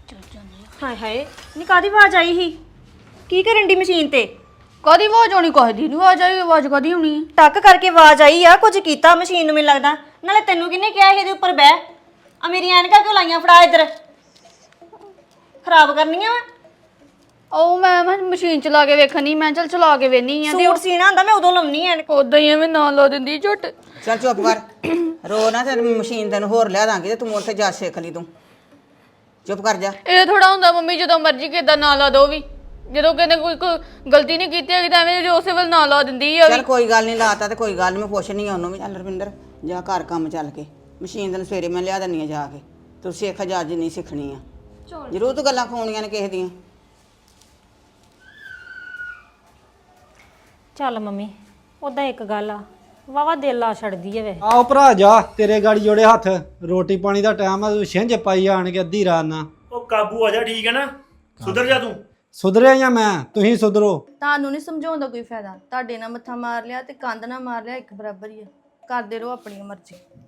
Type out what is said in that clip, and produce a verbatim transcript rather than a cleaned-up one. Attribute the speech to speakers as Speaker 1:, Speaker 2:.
Speaker 1: ਹਾਏ ਹਾਏ ਨੀ ਕਾਦੀ ਆਵਾਜ਼ ਆਈ ਸੀ ਕੀ ਕਰਨ ਦੀ ਮਸ਼ੀਨ ਤੇ
Speaker 2: ਕਦੀ ਆਵਾਜ਼ ਆਉਣੀ ਕਹਦੀ ਨਹੀਂ ਆਵਾਜ਼ ਆਈ ਆਵਾਜ਼ ਕਦੀ ਆਉਣੀ
Speaker 1: ਟੱਕ ਕਰਕੇ ਆਵਾਜ਼ ਆਈ ਆ ਕੁਝ ਕੀਤਾ ਮਸ਼ੀਨ ਨੂੰ ਮੈਨੂੰ ਲੱਗਦਾ ਨਾਲੇ ਤੈਨੂੰ ਕਿਹਨੇ ਕਿਹਾ ਸੀ ਇਹਦੇ ਉੱਪਰ ਬਹਿ ਆ ਮੇਰੀ ਐਨਕਾਂ ਕਿਉਂ ਲਾਈਆਂ ਫੜਾ ਇੱਧਰ ਖਰਾਬ ਕਰਨੀਆਂ ਵਾ
Speaker 2: ਉਹ ਮੈਂ ਮੈਂ ਮਸ਼ੀਨ ਚਲਾ ਕੇ ਵੇਖਣੀ ਮੈਂ ਚੱਲ ਚਲਾ ਕੇ ਵੇਨੀ ਆ
Speaker 1: ਸੂਟ ਸੀਣਾ ਹੁੰਦਾ ਮੈਂ ਉਦੋਂ ਲਾਉਣੀ ਐਨਕ
Speaker 2: ਉਦਾਂ ਹੀ ਐਵੇਂ ਨਾ ਲਾ ਦਿੰਦੀ ਝੁੱਟ
Speaker 3: ਚੱਲ ਚੁੱਪ ਕਰ ਰੋ ਨਾ ਤੇ ਮਸ਼ੀਨ ਤੈਨੂੰ ਹੋਰ ਲਿਆ ਦਾਂਗੇ ਤੇ ਤੂੰ ਉੱਥੇ ਜਾ ਸਿੱਖ ਲਈ ਤੂੰ ਚੁੱਪ ਕਰ ਜਾ
Speaker 2: ਇਹ ਥੋੜਾ ਹੁੰਦਾ ਮੰਮੀ ਜਦੋਂ ਮਰਜ਼ੀ ਕਿਦਾਂ ਨਾ ਲਾ ਦੋ ਵੀ ਜਦੋਂ ਕਹਿੰਦੇ ਕੋਈ ਕੋਈ ਗਲਤੀ ਨਹੀਂ ਕੀਤੀ ਹੈਗੀ ਤਾਂ ਐਵੇਂ ਉਸੇ ਵੇਲੇ ਨਾ ਲਾ ਦਿੰਦੀ ਆ
Speaker 3: ਚੱਲ ਕੋਈ ਗੱਲ ਨਹੀਂ ਲਾਤਾ ਤੇ ਕੋਈ ਗੱਲ ਨਹੀਂ ਮੈਂ ਪੁੱਛਣੀ ਆ ਉਹਨੂੰ ਵੀ ਚੱਲ ਰਵਿੰਦਰ ਜਾ ਘਰ ਕੰਮ ਚੱਲ ਕੇ ਮਸ਼ੀਨ ਤੈਨੂੰ ਸਵੇਰੇ ਮੈਂ ਲਿਆ ਦਿੰਨੀ ਆ ਜਾ ਕੇ ਤੂੰ ਸਿੱਖ ਜਾ ਜਿੰਨੀ ਸਿੱਖਣੀ ਆ ਜ਼ਰੂਰ ਤੂੰ ਗੱਲਾਂ ਖੋਣੀਆਂ ਨੇ ਕਿਸੇ ਦੀਆਂ
Speaker 1: ਚੱਲ ਮੰਮੀ ਉਦਾਂ ਇੱਕ ਗੱਲ ਆ ਵਾਵਾ ਦਿਲ ਆ ਛੱਡਦੀ ਐ ਵੇ
Speaker 4: ਆਓ ਭਰਾ ਜਾ ਤੇਰੇ ਗਾੜੀ ਜੋੜੇ ਹੱਥ ਰੋਟੀ ਪਾਣੀ ਦਾ ਟਾਈਮ ਆ ਤੂੰ ਛਿੰਝ ਪਾਈ ਆਣ ਕੇ ਅੱਧੀ ਰਾਤ ਨਾ
Speaker 5: ਉਹ ਕਾਬੂ ਆ ਜਾ ਠੀਕ ਹੈ ਨਾ ਸੁਧਰ ਜਾ ਤੂੰ
Speaker 4: ਸੁਧਰਿਆ ਜਾਂ ਮੈਂ ਤੁਸੀਂ ਸੁਧਰੋ
Speaker 6: ਤੁਹਾਨੂੰ ਨਹੀਂ ਸਮਝਾਉਣ ਦਾ ਕੋਈ ਫਾਇਦਾ ਤੁਹਾਡੇ ਨਾਲ ਮੱਥਾ ਮਾਰ ਲਿਆ ਤੇ ਕੰਧ ਨਾਲ ਮਾਰ ਲਿਆ ਇੱਕ ਬਰਾਬਰ ਹੀ ਆ ਕਰਦੇ ਰਹੋ ਆਪਣੀ ਮਰਜ਼ੀ